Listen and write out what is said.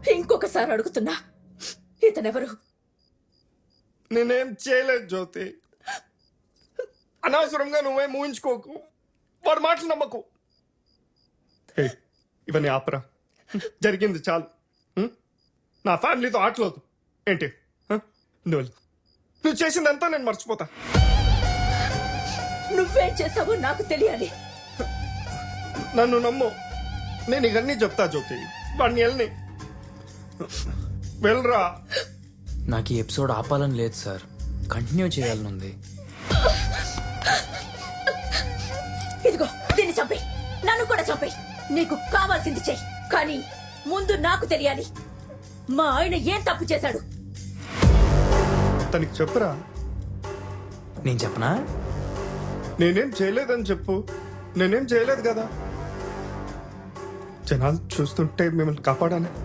ఇంకొకసారి అడుగుతున్నా, ఇతనెవరు? నేనేం చేయలేదు జ్యోతి. అనవసరంగా నువ్వేం ఊహించుకోకు, వాడు మాటలు నమ్మకు. హే, ఇవన్నీ ఆపరా. జరిగింది చాలు. నా ఫ్యామిలీతో ఆటలేదు ఏంటి? నువ్వు చేసిందంతా నేను మర్చిపోతా. నువ్వేం చేసావో నాకు తెలియాలి. నన్ను నమ్ము, నేను ఇవన్నీ చెప్తా జ్యోతి. వాడిని వెళ్ళని వెళ్ళరా. నాకు ఈ ఎపిసోడ్ ఆపాలని లేదు సార్, కంటిన్యూ చేయాలని ఉంది. ఇదిగో దీన్ని చంపే, నన్ను కూడా చంపే. నీకు కావాల్సింది చెయ్యి, కానీ ముందు నాకు తెలియాలి మా ఆయన ఏం తప్పు చేశాడు. తనకి చెప్పురా. నేను చెప్పనా? నేనేం చేయలేదని చెప్పు. నేనేం చేయలేదు కదా. జనాలు చూస్తుంటే మిమ్మల్ని కాపాడాను.